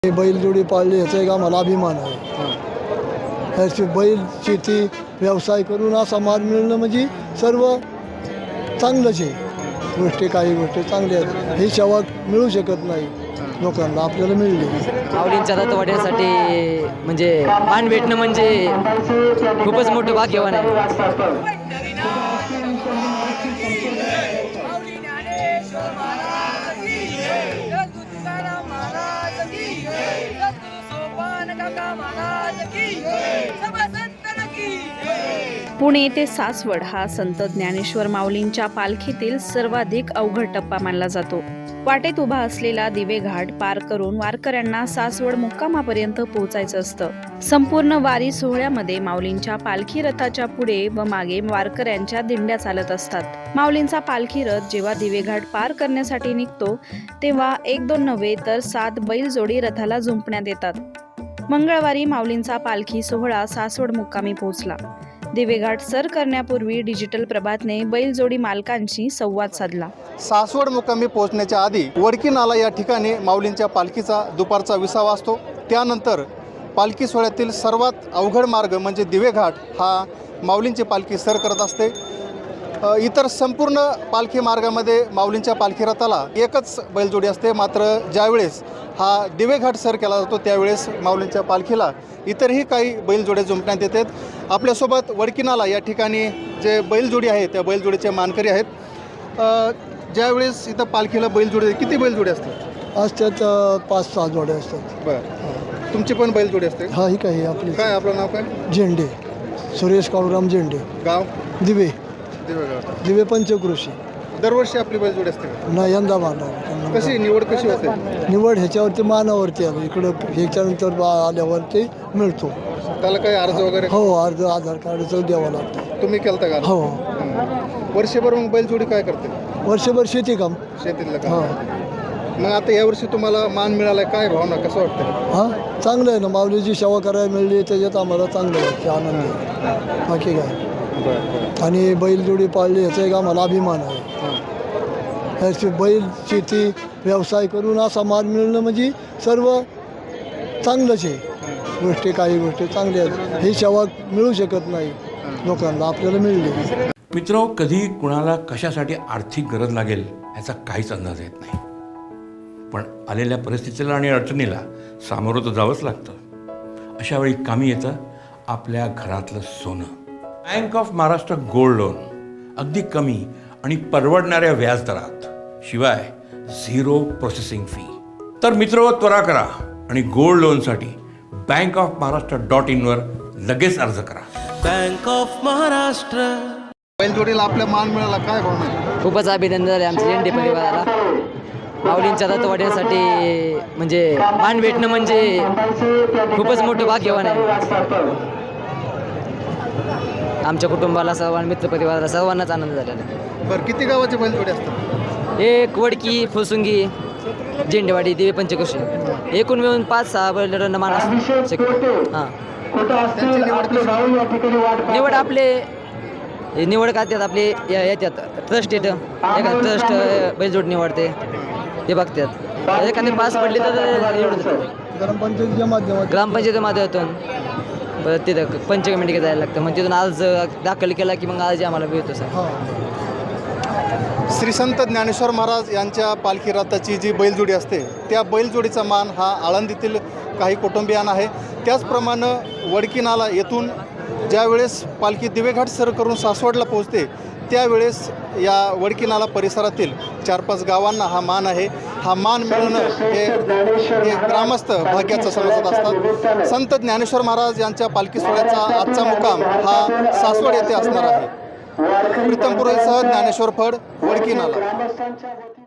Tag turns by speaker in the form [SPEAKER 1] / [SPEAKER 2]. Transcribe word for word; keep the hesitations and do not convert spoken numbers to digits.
[SPEAKER 1] बैलजोडी पाळली याचा एक आम्हाला अभिमान आहे। ह्याची बैल शेती व्यवसाय करून असा माल मिळणं म्हणजे सर्व चांगलंच आहे। गोष्टी काही गोष्टी चांगल्या आहेत, ही सेवा मिळू शकत नाही लोकांना, आपल्याला मिळली।
[SPEAKER 2] माऊलींच्या दत्तवाड्यासाठी म्हणजे मान भेटणं म्हणजे खूपच मोठं भाग्यवान आहे।
[SPEAKER 3] पुणे ते सासवड हा संत ज्ञानेश्वर माऊलींच्या पालखीतील सर्वाधिक अवघड टप्पा मानला जातो। वाटेत उभा असलेला दिवे घाट पार करून वारकऱ्यांना सासवड मुक्कामापर्यंत पोहोचायचं असतं। संपूर्ण वारी सोहळ्यामध्ये माऊलींच्या पालखी रथाच्या पुढे व मागे वारकऱ्यांच्या दिंड्या चालत असतात। माऊलींचा पालखी रथ जेव्हा दिवे घाट पार करण्यासाठी निघतो तेव्हा एक दोन नव्हे तर सात बैलजोडी रथाला जुंपण्यात येतात। मंगळवारी माऊलींचा पालखी सोहळा सासवड मुक्कामी पोहोचला। दिवेघाट सर करण्यापूर्वी डिजिटल प्रभातने बैलजोडी मालकांशी संवाद साधला।
[SPEAKER 4] सासवड मुक्कामी पोहोचण्याच्या आधी वडकी नाला या ठिकाणी माऊलींच्या पालखीचा दुपारचा विसावा असतो। त्यानंतर पालखी सोहळ्यातील सर्वात अवघड मार्ग म्हणजे दिवेघाट हा माऊलींची पालखी सर करत असते। इतर संपूर्ण पालखी मार्गामध्ये माऊलींच्या पालखी रथाला एकच बैलजोडी असते, मात्र ज्यावेळेस हा दिवेघाट सर केला जातो त्यावेळेस माऊलींच्या पालखीला इतरही काही बैलजोड्या जुंपण्यात येतात। आपल्यासोबत वडकी नाला या ठिकाणी जे बैलजोडी आहे त्या बैलजोडीचे मानकरी आहेत। ज्यावेळेस इथं पालखीला बैलजोडी किती बैलजोडी असतात?
[SPEAKER 1] असतात पाच सहा जोड्या असतात।
[SPEAKER 4] बरं, तुमची पण बैलजोडी असते?
[SPEAKER 1] हा, ही काही आपली
[SPEAKER 4] काय आपलं नाव काय?
[SPEAKER 1] झेंडे, सुरेश काळूराम झेंडे,
[SPEAKER 4] गाव
[SPEAKER 1] दिवे
[SPEAKER 4] दिवेघाट।
[SPEAKER 1] दिवे पंचकृषी।
[SPEAKER 4] दरवर्षी आपली बैलजोडी असते का?
[SPEAKER 1] ना यंदा बांधणार।
[SPEAKER 4] कशी निवड कशी होते?
[SPEAKER 1] निवड ह्याच्यावरती मानावरती आलो, इकडं ह्याच्यानंतर आल्यावरती मिळतो।
[SPEAKER 4] त्याला काही अर्ज वगैरे?
[SPEAKER 1] हो, अर्ज आधार कार्डचं द्यावं लागतं।
[SPEAKER 4] तुम्ही केलता का?
[SPEAKER 1] हो।
[SPEAKER 4] वर्षभर मग बैलजोडी काय करते?
[SPEAKER 1] वर्षभर शेती काम।
[SPEAKER 4] शेतीतलं
[SPEAKER 1] हो।
[SPEAKER 4] काम। मग आता यावर्षी तुम्हाला मान मिळालाय, काय भावना, कसं वाटतं?
[SPEAKER 1] हां, चांगलं आहे ना, माऊलीची सेवा करायला मिळली त्याच्यात आम्हाला चांगलं वाटतं, आनंद आहे, बाकी काय। आणि बैलजोडी पाळली याचा एक आम्हाला अभिमान आहे। ह्याची बैल शेती व्यवसाय करून असा माल मिळणं म्हणजे सर्व चांगलंच आहे। गोष्टी काही गोष्टी चांगल्या आहेत, ही सेवा मिळू शकत नाही लोकांना, आपल्याला मिळली।
[SPEAKER 5] मित्र, कधी कुणाला कशासाठी आर्थिक गरज लागेल याचा काहीच अंदाज येत नाही, पण आलेल्या परिस्थितीला आणि अडचणीला सामोरं तर जावंच लागतं। अशा वेळी कामी येतं आपल्या घरातलं सोनं। Bank of Maharashtra gold loan अगदी कमी आणि परवडणाऱ्या व्याजदरात, शिवाय झिरो प्रोसेसिंग फी। तर मित्र, त्वरा करा आणि गोल्ड लोनसाठी बँक ऑफ महाराष्ट्र डॉट इनवर लगेच अर्ज करा।
[SPEAKER 6] Bank of Maharashtra.
[SPEAKER 4] बैलजोडीला आपल्या मान मिळाला, काय भावना?
[SPEAKER 2] खूपच अभिनंदन झाले आमच्या झेंडे परिवाराला। माऊलींच्या दत्तवाड्यासाठी म्हणजे मान भेटणं म्हणजे खूपच मोठं भाग्यवान आहे। आमच्या कुटुंबाला सर्वांना, मित्रपरिवाराला सर्वांनाच आनंद झालेला आहे।
[SPEAKER 4] बरं, किती गावाचे बैलजोडी असतात?
[SPEAKER 2] एक वडकी, फुसुंगी, झेंडेवाडी, दिवे पंचकृषी, एकूण मिळून पाच सहा बैलजोड्यांना मान असू शकतो। हां,
[SPEAKER 4] त्यांची निवड कशी?
[SPEAKER 2] निवड आपले निवड करतात आपले या- याच्यात ट्रस्ट येतं, एखादं ट्रस्ट बैलजोड निवडते, ते बघतात। एखादे पास पडले तर निवडतात
[SPEAKER 1] ग्रामपंचायतीच्या माध्यमातून
[SPEAKER 2] ग्रामपंचायती माध्यमातून। परत तिथं पंच कमिटीकडे जायला लागतं, मग तिथून अर्ज दाखल केला की मग अर्ज आम्हाला मिळतो सर।
[SPEAKER 4] श्री संत ज्ञानेश्वर महाराज यांच्या पालखी रथाची जी बैलजोडी असते त्या बैलजोडीचा मान हा आळंदीतील काही कुटुंबियांना आहे। त्याचप्रमाणे वडकी नाला येथून ज्यावेळेस पालखी दिवेघाट सर करून सासवडला पोहोचते त्यावेळेस या वडकी नाला परिसरातील चार पाच गावांना हा मान आहे। हा मान मिळणं हे हे ग्रामस्थ भाग्याचं समजत असतात। संत ज्ञानेश्वर महाराज यांच्या पालखी सोहळ्याचा आजचा मुक्काम हा सासवड येथे असणार आहे। प्रीतम पुरोहितसह ज्ञानेश्वर फड, वडकी नाला।